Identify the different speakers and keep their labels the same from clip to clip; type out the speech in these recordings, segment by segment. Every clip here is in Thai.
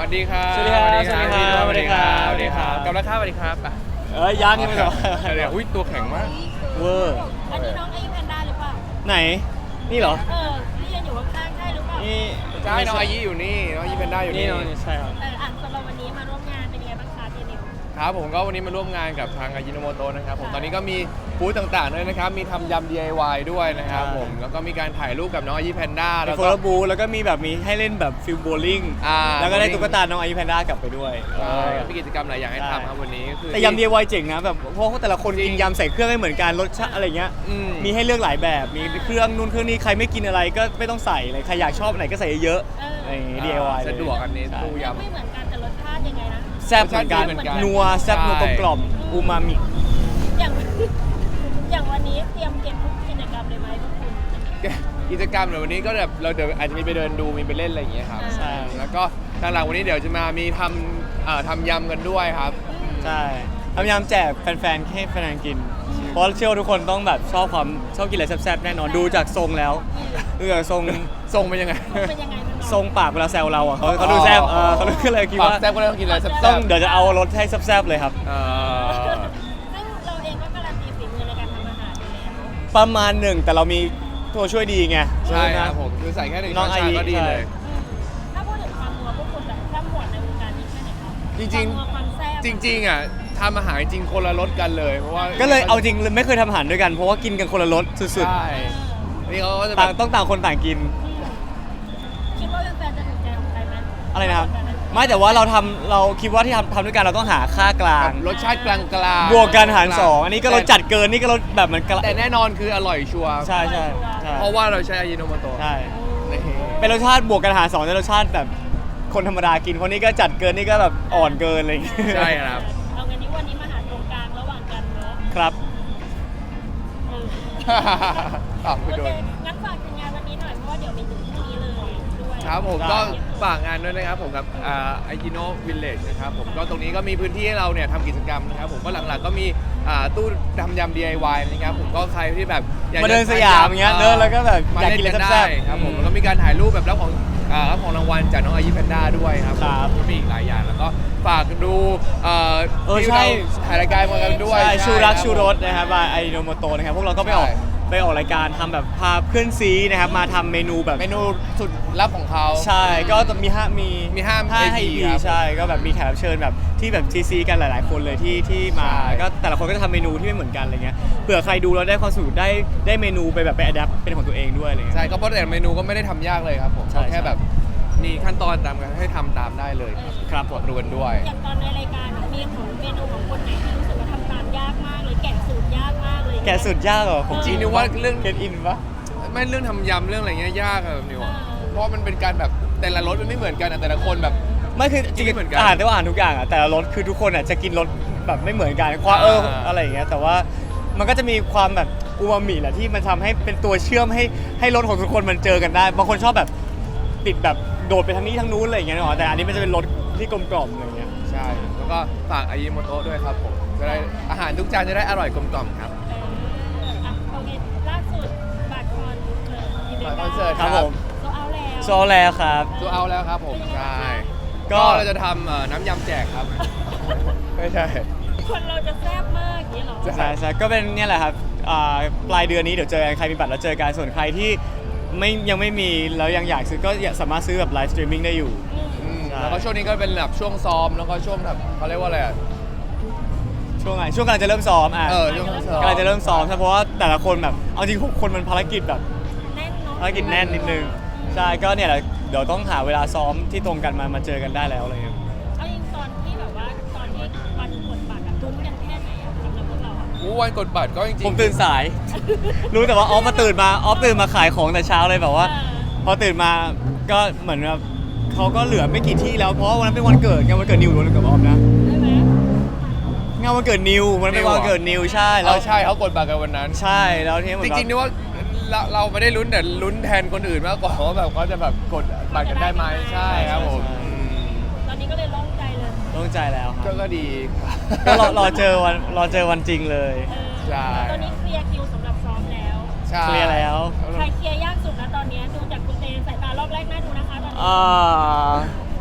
Speaker 1: วัสดีครับ
Speaker 2: สวัสดีครับสวัสดีครับ
Speaker 1: สวัสดีครับ
Speaker 2: สวัสดีครับ
Speaker 1: กับราคาสวัสดีครับอ่ะ
Speaker 2: ยังไม่หรอ
Speaker 1: เดี๋ยวอุ้ยตัวแข็งมาก
Speaker 2: เวอร์
Speaker 3: อันนี้น้องไอ้แพนด้าหรือเปล่า
Speaker 2: ไหนนี่เหรอ
Speaker 3: ที่ยืนอยู่ข้างๆใช่หรือเปล่า
Speaker 2: นี่
Speaker 1: ใช่น้องอายิอยู่นี่น้องอายิเป็นได้อยู่
Speaker 2: นี่
Speaker 1: นี่
Speaker 2: น้องใช่ครับ
Speaker 3: สำหรับวันนี้มาร่วมงานเป็นยังไงบ้างคะเจนิว
Speaker 1: ครับผมก็วันนี้มาร่วมงานกับทางอายิโนโมโตะนะครับผมตอนนี้ก็มีบูธต่างๆด้วยนะครับมีทำยำ DIY ด้วยนะครับผมแล้วก็มีการถ่ายรูปกับน้องอายิแพนด้า
Speaker 2: เป็
Speaker 1: แล้
Speaker 2: น
Speaker 1: ว
Speaker 2: โฟ
Speaker 1: ก็
Speaker 2: ล์บูแล้วก็มีแบบมีให้เล่นแบบฟิลโบลิ่ง แล้วก็ได้ตุ๊กตาน้องไอแพนด้ากลับไปด้วย
Speaker 1: ใช่มีกิจกรรมหลายอย่างให้ทำครับวันนี้ก็คือ
Speaker 2: แต่ยำ DIY เจ๋งนะแบบเพราะแต่ละคนกินยำใส่เครื่องไม่เหมือนกันรสชาติอะไรเงี้ย มีให้เลือกหลายแบบมีเครื่องนู่นเครื่องนี้ใครไม่กินอะไรก็ไม่ต้องใส่เลยใครอยากชอบไหนก็ใส่เยอะอะไรอย่างงี้ DIY เลย
Speaker 1: สะดวกอันนี้ตู้ยำ
Speaker 3: ไม่เหมือนกันแต่รสชาติยังไงนะ
Speaker 2: แซ่บเหมือนกัน
Speaker 1: รสชาติดีเหมือนกัน
Speaker 2: นัวแซ่บนัวกลมๆอูมามิ
Speaker 3: อย่างอย่างวันนี้เตรียมเก็บทุกกิจกรรมเลยไหมพวกคุณ
Speaker 1: กิจกรรมเดี๋ยววันนี้ก็แบบเราเดี๋ยวอาจจะมีไปเดินดูมีไปเล่นอะไรอย่างเงี้ยครับ
Speaker 3: ใช่
Speaker 1: แล้วก็ทางหลังวันนี้เดี๋ยวจะมามีทำยำกันด้วยครับ
Speaker 2: ใช่พยายามแจกแฟนๆให้แฟนๆกิน เพราะเชื่อว่าทุกคนต้องแบบชอบกินอะไรแซ่บๆแน่นอนดูจากทรงแล้วดูจากทรง
Speaker 1: ทรงเป็นยังไง
Speaker 3: เป็นยังไงมัน
Speaker 2: ทรงปากเวลาแซวเราอ่ะเขาดูแซ่บเขาดูก็เลยคิด
Speaker 1: ปาก
Speaker 2: ว่า
Speaker 1: แซ่บก็เลยต้องกินอะไรแซ่บ
Speaker 2: ต้องเดี๋ยวจะเอารสให้แซ่บๆเลยครับ
Speaker 3: ซึ่งเราเองก็การันตีฝีมือในการทำอาหารอยู่แล้ว
Speaker 2: ประมาณหนึ่งแต่เรามีตัวช่วยดีไง
Speaker 1: ใช่ครับผมคือใส่แค่หนึ่ง
Speaker 2: น้
Speaker 1: ช้
Speaker 2: อ
Speaker 1: อง น
Speaker 2: ไอ
Speaker 1: ชา
Speaker 2: ริ
Speaker 1: ก็ดีเลย
Speaker 3: ถ้าพูดถึงความนัวพวกคุณแบบข้ามหมวดในวงการนี้แค่ไหนครับ
Speaker 1: จริง
Speaker 3: ความนัวความแซ่บ
Speaker 1: ๆ จริงๆอ่ะทำอาหารจริงคนละรสกันเลยเพราะว่า
Speaker 2: ก็เลยเอาจริงไม่เคยทำอาหารด้วยกันเพราะว่ากินกันคนละรสสุด
Speaker 1: ใช่นี่เขาก็จะ
Speaker 2: ๆ
Speaker 1: แบ
Speaker 2: ต่าง
Speaker 1: บ
Speaker 2: ต้องต่างคนต่างกิน
Speaker 3: คิดว่าแฟนๆจะถูกใจของใครไหม
Speaker 2: อะไรนะครับไม่แต่ว่าเราคิดว่าที่ทำด้วยกันเราต้องหาค่ากลาง
Speaker 1: รสชาติกลางๆ
Speaker 2: บวกกันหารสองอันนี้ก็รสจัดเกินนี่ก็รสแบบมัน
Speaker 1: แต่แน่นอนคืออร่อยชัวร์
Speaker 2: ใช่ใช่
Speaker 1: เพราะว่าเราใช้อายิโนโมโตะ
Speaker 2: ใช่
Speaker 1: นี่
Speaker 2: เป็นรสชาติบวกกันหารสองแต่รสชาติแบบคนธรรมดากินคนนี้ก็จัดเกินนี่ก็แบบอ่อนเกินอะไรอย่างเงี้ย
Speaker 1: ใช่ครับ
Speaker 3: เอางั้นนี้วันนี้มาหาตรงกลางระหว่างกันเนอะ
Speaker 2: ครับ
Speaker 3: เออ
Speaker 1: ตอบไป
Speaker 3: โอ
Speaker 1: โด
Speaker 3: เคน งั้นฝากถึงงานวันนี้หน่อยเพราะว่าเดี๋ยวมีถึงพรุ่งนี้เลยด้วย
Speaker 1: ครับผมก็ฝากงานด้วยนะครับผมกับไอจิโนวิลเลจนะครับผมก็ตรงนี้ก็มีพื้นที่ให้เราเนี่ยทำกิจกรรมนะครับผมก็หลังๆก็มีตู้ทำยำ DIY นะครับผมก็ใครที่แบบอยาก
Speaker 2: มาเดินสยามอย่างเงี้ยเดินแล้วก็แบบ
Speaker 1: มา
Speaker 2: อยาก
Speaker 1: เล่น
Speaker 2: กินอะไร
Speaker 1: กัน
Speaker 2: แซ่
Speaker 1: ได้
Speaker 2: บๆ
Speaker 1: ครับผมแล้วก็มีการถ่ายรูปแบบรับของรางวัลจากน้องอายิแพนด้าด้วยครับ
Speaker 2: ครับ
Speaker 1: ก็มีอีกหลายอย่างแล้วก็ฝากดูที่
Speaker 2: ใช่
Speaker 1: เราถ่ายรายการมากันด้วย
Speaker 2: ใช่ชูรัก
Speaker 1: คบ
Speaker 2: ชูรสนะครับบายไอโนโมโตนะครับพวกเราก็ไปออก
Speaker 1: ใช่
Speaker 2: รายการทำแบบพาเพื่อนซีนะครับมาทำเมนูแบบ
Speaker 1: เมนูสุดลับของเขา
Speaker 2: ใช่ก็มีห้า
Speaker 1: 5
Speaker 2: EP
Speaker 1: ครับ
Speaker 2: ใช่ก็แบบมีแขกรับเชิญแบบที่แบบซีกันหลายๆ คนเลยที่มา
Speaker 1: ใช่
Speaker 2: ก็แต่ละคนก็จะทำเมนูที่ไม่เหมือนกันอะไรเงี้ยเผื่อใครดูแล้วได้ความสนุกได้เมนูไปแบบไปอัดแอปเป็นของตัวเองด้วยอะไรเงี้ย
Speaker 1: ใช่ก็เพราะแต่เมนูก็ไม่ได้ทำยากเลยครับผม
Speaker 2: ใช่
Speaker 1: ก็แค่แบบมีขั้นตอนตามกันให้ทำตามได้เลยครับ
Speaker 2: ครับผม
Speaker 1: รวนด้วย
Speaker 3: อย่างตอนในรายการมีของเมนูของคนไหนที่รู้สึกว่าทำตามยากมากเลยแกะสูตรยากมากเลย
Speaker 2: แกะสุดยากเหรอผม
Speaker 1: จริงนึกว่าเรื่อง
Speaker 2: เกตอินปะ
Speaker 1: ไม่เรื่องทำยำเรื่องอะไรเงี้ยยากอะแบบนิวอะเพราะมันเป็นการแบบแต่ละรสมันไม่เหมือนกันอะแต่ละคนแบบ
Speaker 2: ไม่คือจริง
Speaker 1: ไม่เหมือนกัน
Speaker 2: อาหารแต่ว่าอาหารทุกอย่างอ่ะแต่ละรสคือทุกคนอ่ะจะกินรสแบบไม่เหมือนกันความอะไรอย่างเงี้ยแต่ว่ามันก็จะมีความแบบอูมามิแหละที่มันทำให้เป็นตัวเชื่อมให้รสของทุกคนมันเจอกันได้บางคนชอบแบบติดแบบโดดไปทางนี้ทางนู้นอะไรอย่างเงี้ยเนาะแต่อันนี้มันจะเป็นรสที่กลมกล่อมอะไรอย่างเงี้ย
Speaker 1: ใช่แล้วก็ฝากอายิโมโตะด้วยครับผมจะได้อาหารทุกจานจะได้อร่อยกลมกล่อมครับ
Speaker 3: โอเคล่าสุดบัตรคอนเสิร์ต
Speaker 2: ครับผม
Speaker 3: ก็เอาแล้ว
Speaker 2: โซแล้วครับ
Speaker 1: ตัวเอาแล้วครับผมใช่
Speaker 2: ก็
Speaker 1: ก็เราจะทำน้ำยำแจกครับ ไม่ใช่
Speaker 3: คนเราจะแซ่บมากอย่างนี้เหรอ
Speaker 1: ใช่
Speaker 2: ใช่ก็เป็นเนี่ยแหละครับปลายเดือนนี้เดี๋ยวเจอกันใครมีบัตรแล้วเจอกันส่วนใครที่ยังไม่มีแล้วยังอยากซื้อก็สามารถซื้อแบบไลฟ์สตรีมมิ่งได้อยู่ ใช่
Speaker 1: แล้วก็ช่วงนี้ก็เป็นแบบช่วงซ้อมแล้วก็ช่วงแบบเขาเรียกว่าอะไรอะ
Speaker 2: ช่วงกำลังจะเริ่มซ้อม
Speaker 1: ช่วงซ้อม
Speaker 2: กำลังจะเริ่มซ้อมใช่เพราะว่าแต่ละคนแบบเอาจริง6คนมันภารกิจแบบ
Speaker 3: แน่นเนาะ
Speaker 2: ภารกิจแน่นนิดนึงใช่ก็เนี่ยแหละเดี๋ยวต้องหาเวลาซ้อมที่ตรงกันมาเจอกันได้แล้วอะไรเงี้ย
Speaker 3: เอาจริงตอนที่แบบว่าตอนที่วันกดบัตรอะลุ้นกันแค่ไหนอะสำหรับพวกเราอะ
Speaker 1: วันกดบัตรก็จริงๆ
Speaker 2: ผมตื่นสาย รู้แต่ว่าออฟตื่นมาขายของแต่เช้าเลยแบบว่า พอตื่นมาก็เหมือนแบบเขาก็เหลือไม่กี่ที่แล้วเพราะว่าวันนั้นเป็นวันเกิดไงวันเกิดนิวหรือวันเกิดออฟนะ
Speaker 3: ได้ไหม
Speaker 2: งานวันเกิดนิวมันเป็นวันเกิดนิวใช่แล้
Speaker 1: แล้ว วใช่เขากดบัตรกันวันนั้น
Speaker 2: ใช่แล้วทีนี้เหมื
Speaker 1: จ
Speaker 2: อน
Speaker 1: ริงๆนี่ว่าเราไม่ได้ลุ้นแต่ลุ้นแทนคนอื่นมากกว่าว่าแบบเขาจะแบบกดบัตรกันได้ไหมใช่ครับผม
Speaker 3: ตอนนี้ก็เลยโล่งใจเลย
Speaker 2: ต้องใจแล้วครับ
Speaker 1: ก็ดีครับ
Speaker 2: ก็รอเจอวันจริงเลย
Speaker 1: ใช่
Speaker 3: ตอนนี้เคลียร์คิวสำหรับซ้อมแล้ว
Speaker 1: ใช่
Speaker 2: เคลียร์แล้ว
Speaker 3: ใครเคลียร์ยากสุดนะตอนนี้ดูจากคุณเตสายตารอบแรกน่าดูนะคะตอนนี้
Speaker 2: อ่า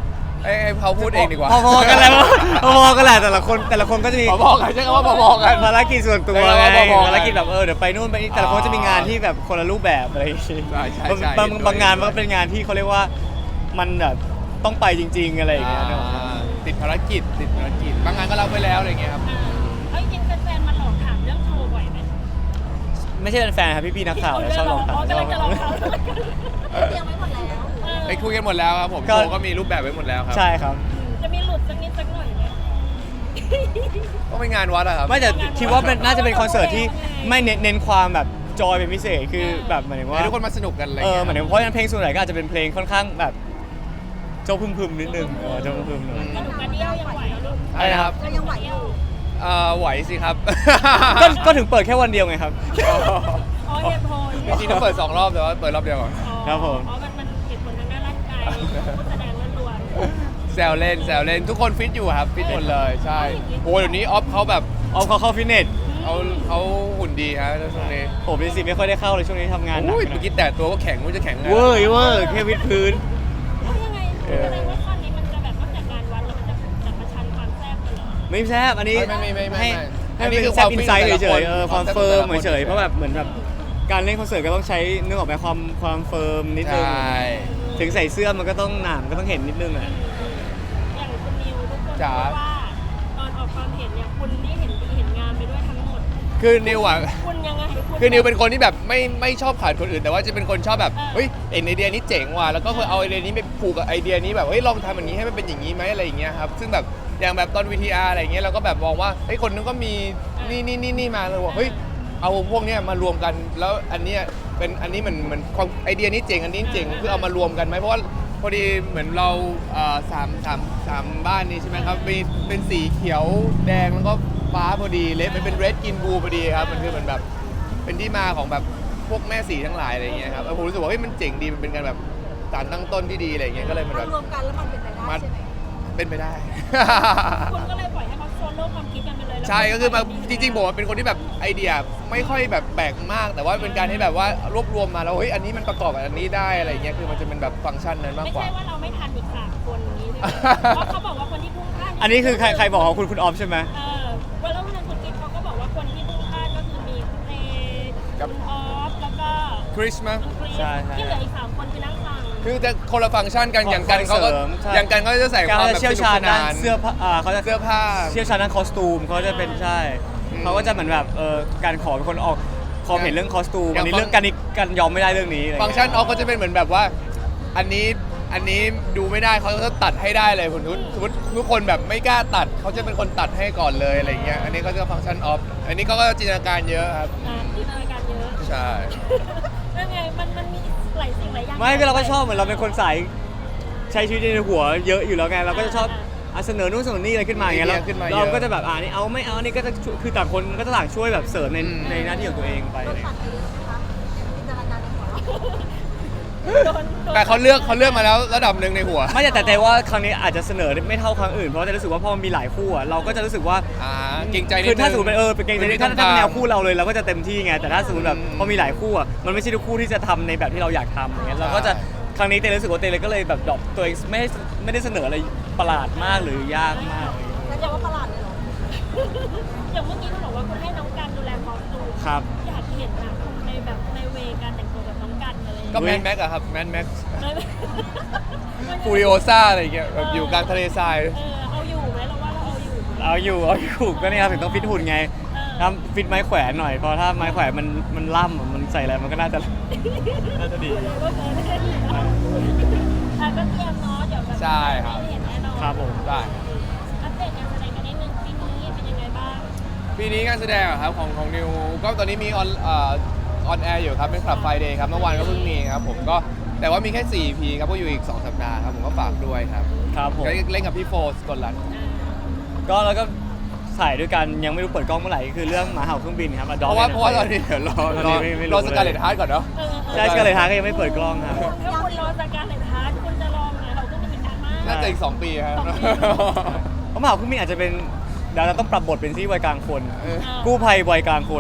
Speaker 1: ให้เขาพูดเองดีกว่า
Speaker 2: พอๆกันแหละพอๆกันแหละแต่ละคนก็จะมี
Speaker 1: พอๆกันใช่คำว่าพอๆกัน
Speaker 2: ภารกิจส่วนตัว
Speaker 1: ใช่
Speaker 2: ไง
Speaker 1: ครับพอๆกัน
Speaker 2: ภารกิจแบบเดี๋ยวไปนู่นไปนี่แต่ละคนจะมีงานที่แบบคนละรูปแบบอะไรอย่างงี้
Speaker 1: ใช่ใช่
Speaker 2: บางงานมันก็เป็นงานที่เขาเรียกว่ามันแบบต้องไปจริง ๆอะไรอย่างเงี้ยนึกออกไหม
Speaker 1: ติดภารกิจบางงานก็รับไปแล้วอะไรเงี้ยครับ
Speaker 3: เอาจริงๆแฟนๆมาหลอกถามเรื่องโชว์บ่อยไหม
Speaker 2: ไม่ใช่แฟนๆครับพี่ๆนักข่าวนะชอบลองถาม
Speaker 3: กำลังจะลองถาม
Speaker 4: เตรียมไว้หมดแล้ว
Speaker 1: ไปคุยกันหมดแล้วครับผมโชว์ก็มีรูปแบบไว้หมดแล้วครับ
Speaker 2: ใช่ครับ
Speaker 3: จะมีหลุดสักนิดสักหน่อยไหม
Speaker 1: ก็เป็นงานวัดอะครับ
Speaker 2: ไม่แต่คิดว่ามันน่าจะเป็นคอนเสิร์ตที่ไม่เน้นความแบบจอยเป็นพิเศษคือแบบหมายถึงว่า
Speaker 1: ให้ทุกคนมาสนุกกันอะไร
Speaker 2: เห
Speaker 1: เงี้ย
Speaker 2: มือนเพราะฉะนั้นเพลงส่วนใหญ่ก็อาจจะเป็นเพลงค่อนข้างแบบโจพึมๆนิดนึงโจพึมๆหน่อย
Speaker 3: กระดูกกระเดี่ยวยังไหวลูก
Speaker 1: อะไรนะครับ
Speaker 4: เรายังไหวอยู่
Speaker 1: ไหวสิครับ
Speaker 2: ก็ถึงเปิดแค่วันเดียวไงครับ
Speaker 3: อ๋อเหตุผล
Speaker 1: จริงๆต้องเปิด2 รอบแต่ว่าเปิดรอบเดียวก่อน
Speaker 2: ครับผม
Speaker 3: อ๋อมันเหตุผลทางด้านร่างกายผู้แสดงล้วน
Speaker 1: แซวเล่นทุกคนฟิตอยู่ครับฟิตหมดเลยใช่โอ้เดี๋ยวนี้ออฟเขาแบบ
Speaker 2: เอาเขาเข้าฟิตเนส
Speaker 1: เขาหุ่นดีครับช่วงนี้
Speaker 2: ผมเป็นสิไม่ค่อยได้เข้าเลยช่วงนี้ทำงานหนัก
Speaker 1: อุ้ยเมื่อกี้แต่ตัวก็แข็งไม่รู้จะแข็งไง
Speaker 2: เวอร์แค่วิดพื้น
Speaker 3: ๆเพราะยังไงแสดงว่าข้อนี้มันจะแบบนอกจากการวัดแล้วมันจะจัดประชันความแซ่บเลยเหรอ
Speaker 2: ไม่แซบอันนี้
Speaker 1: ไม่
Speaker 2: ให้เป็นแซบอินไซต์เฉยๆความเฟิร์มเฉยๆเพราะแบบเหมือนแบบการเล่นคอนเสิร์ตก็ต้องใช้นึกออกไหมความเฟิร์มนิดนึ
Speaker 1: ใช่
Speaker 2: งถึงใส่เสื้อมันก็ต้องหนามก็ต้องเห็นนิดนึงอ่ะ
Speaker 3: อย่างคุณนิวทุกคนรู้ว่าตอนออกความเห็นเนี่ยคุณนี่เห็นดีเห็นงามไปด้วยทั้งหมด
Speaker 1: คือนิวอ่ะ
Speaker 3: คุณยังไง
Speaker 1: คือนิวเป็นคนที่แบบไม่ชอบขาดคนอื่น แต่ว่าจะเป็นคนชอบแบบเฮ้ยไอเดียนี้เจ๋งว่ะแล้วก็เคยเอาไอเดียนี้ไปผูกกับไอเดียนี้แบบเฮ้ยลองทำอย่างนี้ให้มันเป็นอย่างนี้ไหมอะไรอย่างเงี้ยครับซึ่งแบบอย่างแบบตอน VTR อะไรอย่างเงี้ยเราก็แบบมองว่าเฮ้ยคนนึงก็มีนี่มาเลยว่าเฮ้ยเอาพวกเนี้ยมารวมกันแล้วอันเนี้ยเป็นอันนี้เหมือนความไอเดียนี้เจ๋งอันนี้เจ๋งคือเอามารวมกันไหมเพราะว่าพอดีเหมือนเราสามบ้านนี้ใช่ไหมครับเป็นสีเขียวแดงแล้วก็ฟ้าพอดีเลดมันเป็นเรดกินบูพอดีครับมันคือเหมือนแบบเป็นที่มาของแบบพวกแม่สีทั้งหลายอะไรอย่างเงี้ยครับผมรู้สึกว่าเฮ้ยมันเจ๋งดีมันเป็นการแบบสารตั้งต้นที่ดีอะไรอย่างเงี้ยก็เลยมัน
Speaker 4: มั
Speaker 1: แบ
Speaker 4: น
Speaker 1: บ
Speaker 4: รวมกันแล้วมันเป็นไปได้ใช่ไหม
Speaker 1: เป็นไปได้
Speaker 3: คุณก็เลยปล่อยให้เขาโซโล่ความคิดกันไปเลย
Speaker 1: ใช่ก็คือมาจริงๆผมเป็นคนที่แบบไอเดียไม่ค่อยแบบแปลกมาก แต่ว่าเป็นการที่แบบว่ารวบรวมมาแล้วเฮ้ยอันนี้มันประกอบกับอันนี้ได้อะไรเงี้ยคือมันจะเป็นแบบฟังก์ชันนั้นมาก
Speaker 3: ไม่
Speaker 1: กว่า
Speaker 3: ใช่ว่าเราไม่ทันอีก3 คนนี้ใช่ไหมเพราะเขาบอกว่าคนที่พุ่งพลาด
Speaker 2: อันนี้คือใครบอกว่าคุณออฟใช่ไหม
Speaker 3: วันแล้ววันนั้นคุณกิ๊ฟเขาก็บอกว่าคนที่พุ่งพลาดก็คือมีคุณเอ
Speaker 1: กับ
Speaker 3: คุณออฟแล้วก็
Speaker 1: คริสมั้ย
Speaker 3: คุณคริส
Speaker 2: ใช่
Speaker 3: ที่เหลืออีก3 คนคือนั่งฟัง
Speaker 1: คือจะคนละฟังก์ชันกันอย่างกันเขาก็
Speaker 2: เสริมใช่
Speaker 1: อย่างกันเขาจะใส่ค
Speaker 2: การ
Speaker 1: วาม
Speaker 2: จะ
Speaker 1: แบบ
Speaker 2: เชี่ยว
Speaker 1: สนุ
Speaker 2: ชาก ญ
Speaker 1: ส
Speaker 2: ด้าน
Speaker 1: นาน
Speaker 2: เสื้อผ้าเขาจะ
Speaker 1: เสื้อผ้า
Speaker 2: เชี่ยวชาญด้านคอสตูมเขาจะเป็นใช่
Speaker 1: อืม
Speaker 2: เขาก็จะเหมือนแบบการขอเป็นคนออกความเห็นเรื่องคอสตูม
Speaker 1: อย่า
Speaker 2: อั
Speaker 1: ง
Speaker 2: นนี้
Speaker 1: ฟัง
Speaker 2: เรื่องการยอมไม่ได้เรื่องนี้อะไร
Speaker 1: ฟังก์ชันออฟก็จะเป็นเหมือนแบบว่า อันนี้ดูไม่ได้เขาจะตัดให้ได้เลยสมมติทุกคนแบบไม่กล้าตัดเขาจะเป็นคนตัดให้ก่อนเลยอะไรเงี้ยอันนี้ก็จะฟังก์ชันออฟอันนี้เขาก็จินตนาการเยอะครับ
Speaker 3: ที่รายการเยอะ
Speaker 1: ใช่
Speaker 3: แล้วไงมันมีหลายสิ่งหลายอย่าง
Speaker 2: ไม่ก็เราก็ชอบเหมือนเราเป็นคนสายใช้ชีวิตในหัวเยอะอยู่แล้วไงเราก็จะชอบเสนอนู่นเสนอนี่อะไรขึ้นมาอย่างเงี้ย
Speaker 1: ไอเดียขึ้นมาเยอะ
Speaker 2: เราก็จะแบบนี่เอาไม่เอานี่ก็จะช่วยคือต่างคนก็จะต่างช่วยแบบเสริมใน
Speaker 1: อืม
Speaker 2: ในหน้าที่ของตัวเองไป
Speaker 4: รถตัดไปเยอะไหมคะจินตนาการในหัวเรา
Speaker 3: โดน
Speaker 1: แต่เขาเลือกมาแล้วระดับหนึ่งในหัว
Speaker 2: ไม่แต่ว่าครั้งนี้อาจจะเสนอไม่เท่าครั้งอื่นเพราะว่าจะรู้สึกว่าพอมันมีหลายคู่อะเราก็จะรู้สึกว่า
Speaker 1: เกรงใจนิดนึง
Speaker 2: คือถ้าสมมติเป็นเป็นเกรงใจนิดถ้าเป็นแนวคู่
Speaker 1: เรา
Speaker 2: เราเลยเราก็จะเต็มที่ไงแต่ถ้าสมมติแบบ
Speaker 1: อืม
Speaker 2: พอมีหลายคู่อะมันไม่ใช่ทุกคู่ที่จะทำในแบบที่เราอยากทำอย่างเงี้ยเราก็จะครั้งนี้เต้รู้สึกว่าเต้เลยก็เลยแบบดรอปตัวเองไม่ได้เสนออะไรประหลาดมากหรือยากมาก
Speaker 4: แล้วจะว่าประหลาดเลยเหรอ
Speaker 3: อย่างเมื่อกี้คุณบอกว่าคุณให้น้องกันดูแลคอสตูม
Speaker 2: ครับ
Speaker 3: อยากเห็นนะคุณในแบบในเวการแต่งตัวแบบน้องกันอะไรอย่าง
Speaker 1: ก็
Speaker 3: เงี้ย
Speaker 1: แมนแม็กอะครับแมนแม็ก
Speaker 3: เลย
Speaker 1: ฟูริโอซ่าอะไรอย่างเงี้ยแบบอยู่กลางทะเลทราย
Speaker 3: เอาอยู่ไหมเราว่าเราเอาอยู่
Speaker 2: เอาอยู่ก็เนี่ยครับถึงต้องฟิตหุ่นไงทำฟิตไม้แขวนหน่อยเพราะถ้าไม้แขวนมันล่ำอะมันใส่อะไรมันก็น่าจะดี
Speaker 3: ก็เคยเล่นอยู่นะก็เตรียมเนาะเดี๋ยวแบบ
Speaker 1: ใช่ครับ
Speaker 3: ได้เห็นแน่นอน
Speaker 2: ครับผม
Speaker 1: ได้
Speaker 3: อัปเดตงานแสดงกันนิดนึงปีนี้เป็นยังไงบ้าง
Speaker 1: ปีนี้งานแสดงอะครับของนิวก็ตอนนี้มีออนแอร์อยู่ครับเป็นคลับไฟเดย์ครับเมื่อวานก็เพิ่งมีครับผมก็แต่ว่ามีแค่4 EP ครับก็อยู่อีก2 สัปดาห์ครับผมก็ฝากด้วยครับ
Speaker 2: ครับผม
Speaker 1: เล่นกับพี่โฟสกลรัตน์
Speaker 2: ก็แล้วก็ถ่ายด้วยกันยังไม่รู้เปิดกล้องเมื่อไหร่คือเรื่องหมาเห่าเครื่องบินครับ
Speaker 1: เพราะว่าตอนนี้เดี๋ยวรอสกาเลตฮาร์ดก่อนเนาะ
Speaker 2: ใช่ก็เลยท้าก็ยังไม่เปิดกล้องครับ
Speaker 3: ถ้าคุณรอจากการเลยทาร์คุณจะลองไหมเราก็มีการมาก
Speaker 1: น่าจะอีก2 ปีครับ
Speaker 2: เพราะหมาเห่าเครื่องบินอาจจะเป็นเดี๋ยวเราต้องปรับบทเป็นที่วัยกลางคน
Speaker 1: เออ
Speaker 2: กู้ภัยวัยกลางคน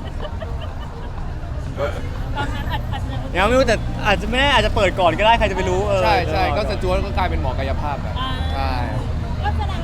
Speaker 3: ตอนนั้นอาจจะ
Speaker 2: ยังไม่รู้แต่อาจจะไม่แน่อาจจะเปิดก่อนก็ได้ใครจะไปรู้
Speaker 1: ใช่ก็สจวตก็กลายเป็นหมอกายภาพแบบใช่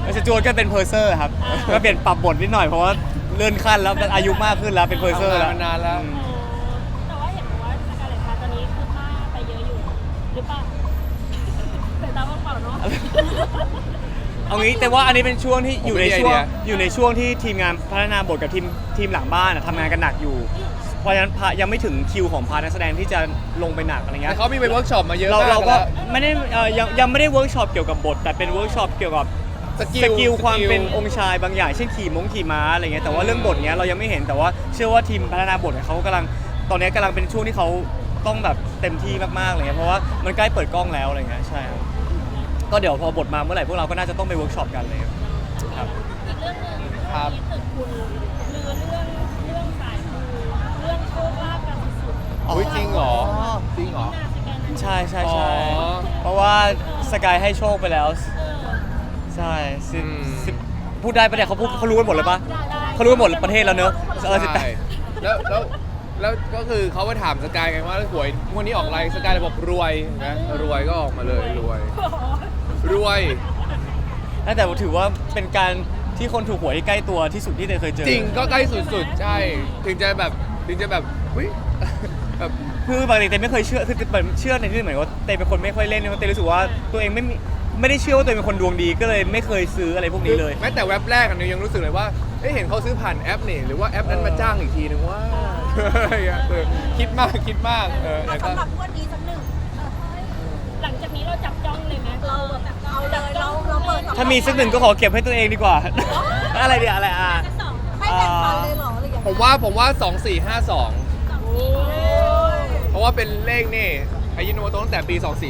Speaker 2: สจวตก็เป็นเพอร์เซอร์ครับก็เปลี่ยนปรับบทนิดหน่อยเพราะว่าเลื่อนขั้นแล้วอายุมากขึ้นแล้วเป็นเพอร์เซอร์แล้ว
Speaker 1: ทำงานมานานแล้ว
Speaker 3: แต่ว่าเห็นบอกว่าสกาเลตฮาร์ตอนนี้คือหน้าไปเยอะอยู่หรือเปล่าแต่ตาว่างเปล่าเนาะ
Speaker 2: เอางี้แต่ว่าอันนี้เป็นช่วงที่อยู่ใน
Speaker 1: ผมมี
Speaker 2: ช่วง
Speaker 1: ไอเดีย
Speaker 2: อยู่ในช่วงที่ทีมงานพัฒนาบทกับทีมหลังบ้านทำงานกันหนักอยู่ เพราะฉะนั้นยังไม่ถึงคิวของพาร์ทนักแสดงที่จะลงไปหนักอะไรเงี้
Speaker 1: แต่
Speaker 2: ย
Speaker 1: เขามีไปเวิร์กช็อปมาเยอะ
Speaker 2: เรา
Speaker 1: มาก
Speaker 2: เราก็
Speaker 1: แล้ว
Speaker 2: ไม่ได้ยังไม่ได้เวิร์กช็อปเกี่ยวกับบทแต่เป็นเวิร์กช็อปเกี่ยวกับสกิลความเป็นองค์ชายบางอย่างเช่นขี่ม้าอะไรเงี้ยแต่ว่าเรื่องบทเนี้ยเรายังไม่เห็นแต่ว่าเชื่อว่าทีมพัฒนาบทเนี่ยเขากำลังตอนนี้กำลังเป็นช่วงที่เขาต้องแบบเต็มที่มากๆอะไรเงี้ยเพราะว่ามันใกล้เปิดกล้องแล้วอะไรเงี้ยใช่ครับก็เดี๋ยวพอบทมาเมื่อไหร่พวกเราก็น่าจะต้องไปเวิร์กช็อปกันเลยครับ
Speaker 3: อีกเรื่องหนึ่ง
Speaker 1: ครับ
Speaker 3: ที่ตึกคุณลือเรื่องสายมูเรื่องโชคลาภกันสุดๆ
Speaker 1: อุ๊ยจริงเหรอจริงเหรอ
Speaker 3: หน้าสแกนนั้น
Speaker 2: ใช่
Speaker 1: อ๋อ
Speaker 2: เพราะว่าสกายให้โชคไปแล้ว
Speaker 3: เออ
Speaker 2: ใช่สิบ
Speaker 1: อืม
Speaker 2: สิบพูดได้ปะเนี่ยเขารู้กันหมดเลยปะ
Speaker 3: ได้
Speaker 2: เขารู้กันหมดประเทศแล้วเนอะ18
Speaker 1: ใช่แล้วก็คือเขาไปถามสกายไงว่าหวยงวดนี้ออกอะไรสกายเลยบอกรวยนะรวยก็ออกมาเลยรวย
Speaker 3: โอ้โห
Speaker 1: รวย
Speaker 2: แต่ถือว่าเป็นการที่คนถูกหวยที่ใกล้ตัวที่สุดที่เตยเคยเจอ
Speaker 1: จริงก็ใกล้สุดๆ ใช่ ถึงจะแบบอุ๊ยแบบ
Speaker 2: คือปกติเตยไม่เคยเชื่อคือแบบเชื่อในที่เหมือนว่าเตยเป็นคนไม่ค่อยเล่นเพราะเตยรู้สึกว่าตัวเองไม่ได้เชื่อว่าตัวเองเป็นคนดวงดีก็เลยไม่เคยซื้ออะไรพวกนี้เลย
Speaker 1: แม้แต่เว็บแรกอันนี้ยังรู้สึกเลยว่าเห็นเขาซื้อผ่านแอปนี่หรือว่าแอปนั้นมาจ้างอีกทีนึงว่าอะไรอย่างเงี้ยคิดมากแต่ก็
Speaker 4: สำหรับงวดนี้สักหนึ่ง
Speaker 3: หลังจากนี้เราจับจ้องเลยไหม
Speaker 4: เราแบบเอาเลยเราเปิดสอง
Speaker 2: ถ้ามีสักหนึ่งก็ขอเก็บให้ตัวเองดีกว่า อะไรเดี๋ยวอะไร
Speaker 4: ให้แบ่งปันเลยเหรอหรือยังไง
Speaker 1: ผมว่า 2452
Speaker 3: โอ้ย
Speaker 1: เพราะว่าเป็นเลขนี่อายุโนโตะตั้งแต่ปี 2452
Speaker 3: โอ้ย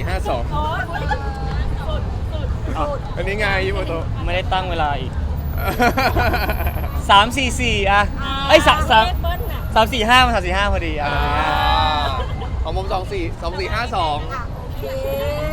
Speaker 3: สุด
Speaker 1: อันนี้ไงอายุโนโตะ
Speaker 2: ไม่ได้ตั้งเวลาอีก 3-4-4อะไอ้ย3
Speaker 3: เลขเบิ้ลน่ะ
Speaker 2: 3-4-5 มัน3-4-5พอดีอะ
Speaker 1: ของผม24 2452
Speaker 4: โอเค